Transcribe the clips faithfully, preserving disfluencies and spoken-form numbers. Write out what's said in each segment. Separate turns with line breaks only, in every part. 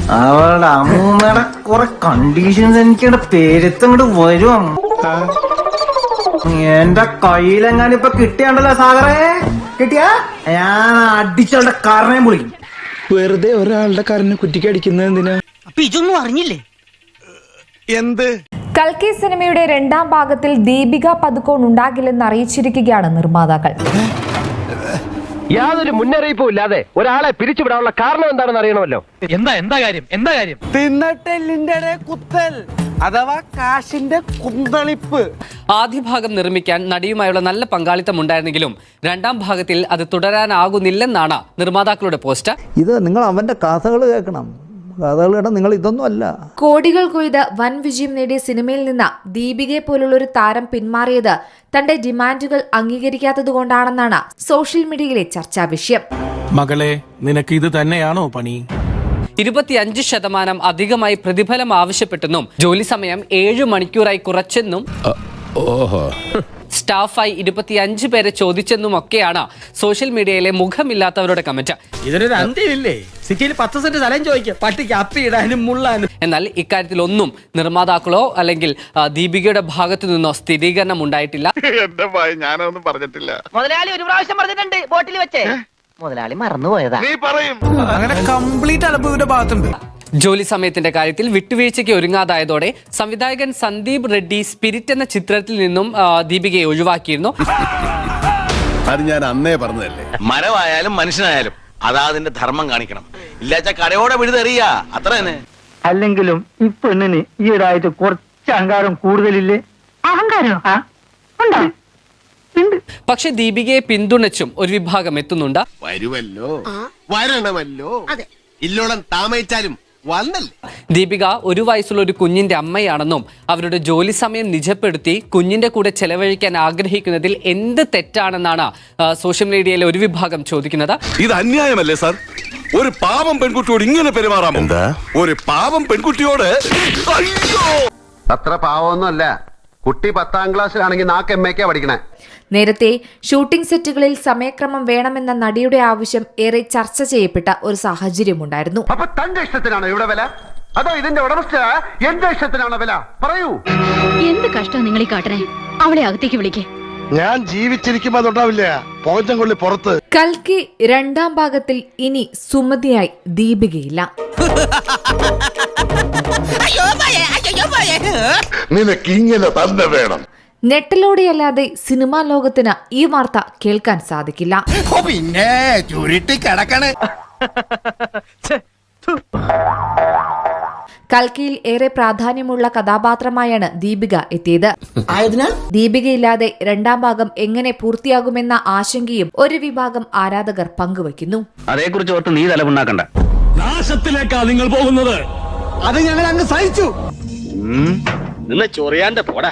അവളുടെ അമ്മൂമ്മയുടെ കുറെ കണ്ടീഷൻസ് എനിക്കിവിടെ പേരത്തങ്ങോട്ട് വരും. എന്റെ കയ്യിലെങ്ങാനും ഇപ്പൊ കിട്ടിയാണ്ടല്ലോ സാഗറേ, കിട്ടിയാ ഞാൻ അടിച്ചവളുടെ കാരണയും പൊളിക്കും.
വെറുതെ ഒരാളുടെ കാറിനെ കുറ്റിക്ക് അടിക്കുന്നത് എന്തിനാ?
അപ്പൊ ഇതൊന്നും അറിഞ്ഞില്ലേ?
എന്ത്?
കൽക്കി സിനിമയുടെ രണ്ടാം ഭാഗത്തിൽ ദീപിക പദുക്കോൺ ഉണ്ടാകില്ലെന്ന് അറിയിച്ചിരിക്കുകയാണ് നിർമ്മാതാക്കൾ.
യാതൊരു മുന്നറിയിപ്പും ഇല്ലാതെ ഒരാളെ പിരിച്ചുവിടാനുള്ള കാരണം എന്താണെന്ന് അറിയണമല്ലോ.
എന്താ എന്താ കാര്യം എന്താ കാര്യം
തിന്നട്ടെല്ലിന്റെ കുത്തൽ അഥവാ കാശിന്റെ കുന്തളിപ്പ്.
ആദ്യ ഭാഗം നിർമ്മിക്കാൻ നടിയുമായുള്ള നല്ല പങ്കാളിത്തം ഉണ്ടായിരുന്നെങ്കിലും രണ്ടാം ഭാഗത്തിൽ അത് തുടരാനാകുന്നില്ലെന്നാണ് നിർമ്മാതാക്കളുടെ പോസ്റ്റ്.
ഇത് നിങ്ങൾ അവന്റെ കഥകൾ കേൾക്കണം. കഥകൾ കേട്ടാൽ നിങ്ങൾ ഇതൊന്നും അല്ല.
കോടികൾ കൊയ്ത് വൻ വിജയം നേടിയ സിനിമയിൽ നിന്ന് ദീപികയെ പോലുള്ള ഒരു താരം പിന്മാറിയത് തന്റെ ഡിമാൻഡുകൾ അംഗീകരിക്കാത്തതുകൊണ്ടാണെന്നാണ് സോഷ്യൽ മീഡിയയിലെ ചർച്ചാ വിഷയം.
മകളെ, നിനക്ക് ഇത് തന്നെയാണോ പണി?
ഇരുപത്തിയഞ്ച് ശതമാനം അധികമായി പ്രതിഫലം ആവശ്യപ്പെട്ടെന്നും ജോലി സമയം ഏഴു മണിക്കൂറായി കുറച്ചെന്നും സ്റ്റാഫായി ഇരുപത്തിയഞ്ച് പേരെ ചോദിച്ചെന്നും ഒക്കെയാണ് സോഷ്യൽ മീഡിയയിലെ മുഖമില്ലാത്തവരുടെ കമന്റ്.
ഇതിനൊരു അന്ത്യമില്ലേ? സിറ്റിയിൽ പത്ത് സെന്റ് സ്ഥലം ചോദിക്കും പട്ടിക്ക് അപ്പിയിടാനും മുള്ളാനും.
എന്നാൽ ഇക്കാര്യത്തിൽ ഒന്നും നിർമ്മാതാക്കളോ അല്ലെങ്കിൽ ദീപികയുടെ ഭാഗത്തു നിന്നോ സ്ഥിരീകരണം ഉണ്ടായിട്ടില്ല.
എന്റെ ഭയ ഞാനൊന്നും പറഞ്ഞിട്ടില്ല.
മുതലാളി ഒരു പ്രാവശ്യം പറഞ്ഞിട്ടുണ്ട് ബോട്ടിൽ വെച്ചേ. മുതലാളി മറന്നുപോയതാ.
നീ പറയും.
അങ്ങനെ കംപ്ലീറ്റ് അലപ്പ് ഇവരുടെ ഭാഗത്തുണ്ട്.
ജോലി സമയത്തിന്റെ കാര്യത്തിൽ വിട്ടുവീഴ്ചയ്ക്ക് ഒരുങ്ങാതായതോടെ സംവിധായകൻ സന്ദീപ് റെഡ്ഡി സ്പിരിറ്റ് എന്ന ചിത്രത്തിൽ നിന്നും ദീപികയെ ഒഴിവാക്കിയിരുന്നു.
അത് ഞാൻ അന്നേ പറഞ്ഞതല്ലേ.
മരമായാലും മനുഷ്യനായാലും അതാ അതിന്റെ ധർമ്മം കാണിക്കണം. ഇല്ലാച്ച കരയോടെ വിഴുതെറിയ അത്ര തന്നെ.
അല്ലെങ്കിലും ഈ പെണ്ണിന് ഈയിടായിട്ട് കുറച്ച് അഹങ്കാരം കൂടുതലില്ലേ? അഹങ്കാരം
പക്ഷെ ദീപികയെ പിന്തുണച്ചും ഒരു വിഭാഗം എത്തുന്നുണ്ട്.
വരുമല്ലോ, വരണമല്ലോ, ഇല്ലോളം താമസിച്ചാലും വന്നല്ലേ.
ദീപിക ഒരു വയസ്സുള്ള ഒരു കുഞ്ഞിന്റെ അമ്മയാണെന്നും അവരുടെ ജോലി സമയം നിജപ്പെടുത്തി കുഞ്ഞിന്റെ കൂടെ ചെലവഴിക്കാൻ ആഗ്രഹിക്കുന്നതിൽ എന്ത് തെറ്റാണെന്നാണ് സോഷ്യൽ മീഡിയയിലെ ഒരു വിഭാഗം ചോദിക്കുന്നത്.
ഇത് അന്യായമല്ലേ സാർ? ഒരു പാവം പെൺകുട്ടിയോട് ഇങ്ങനെ പെരുമാറാമോ? എന്താ ഒരു പാവം പെൺകുട്ടിയോട്?
അത്ര പാവമൊന്നുമല്ല. കുട്ടി പത്താം ക്ലാസ്സിലാണെങ്കിൽ നാക്ക് എം എക്കാ പഠിക്കണേ.
നേരത്തെ ഷൂട്ടിംഗ് സെറ്റുകളിൽ സമയക്രമം വേണമെന്ന നടിയുടെ ആവശ്യം ഏറെ ചർച്ച ചെയ്യപ്പെട്ട ഒരു സാഹചര്യമുണ്ടായിരുന്നു.
അപ്പൊ തന്റെ ഇഷ്ടത്തിനാണോ ഇവിടെ വില, അതോ ഇതിന്റെ ഉടമസ്ഥ എന്റെ ഇഷ്ടത്തിനാണോ വില? പറയൂ.
എന്ത് കഷ്ടം നിങ്ങൾ ഈ കാട്ടണേ? അവളെ അകത്തേക്ക് വിളിക്കേ.
ഞാൻ ജീവിച്ചിരിക്കുമ്പോ തൊട്ടാവില്ല പോച്ചം കൊള്ളി പുറത്ത്.
കൽക്കി രണ്ടാം ഭാഗത്തിൽ ഇനി സുമതിയായി ദീപികയില്ല.
നിനക്ക് ഇങ്ങനെ തന്നെ വേണം.
നെട്ടിലൂടെയല്ലാതെ സിനിമാ ലോകത്തിന് ഈ വാർത്ത കേൾക്കാൻ സാധിക്കില്ല.
പിന്നെ ചുരുട്ടി കിടക്കണേ.
കൽക്കിയിൽ ഏറെ പ്രാധാന്യമുള്ള കഥാപാത്രമായാണ് ദീപിക എത്തിയത്. ദീപികയില്ലാതെ രണ്ടാം ഭാഗം എങ്ങനെ പൂർത്തിയാകുമെന്ന ആശങ്കയും ഒരു വിഭാഗം ആരാധകർ പങ്കുവയ്ക്കുന്നു.
അതേക്കുറിച്ച് ഓർത്ത് നീ തലമുണ്ടാക്കണ്ട.
നാശത്തിലേക്കാ നിങ്ങൾ പോകുന്നത്. അത് ഞങ്ങൾ അങ്ങ് സഹിച്ചു.
നിന്ന് ചൊറിയാണ്ട് പോടാ.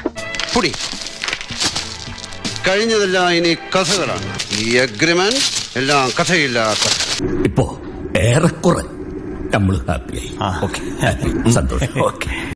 കഴിഞ്ഞതെല്ലാം ഇനി കഥകളാണ്. ഈ അഗ്രിമെന്റ് എല്ലാം കഥയില്ലാത്ത.
ഇപ്പോ ഏറെക്കുറെ നമ്മൾ ഹാപ്പിയായി. സന്തോഷം.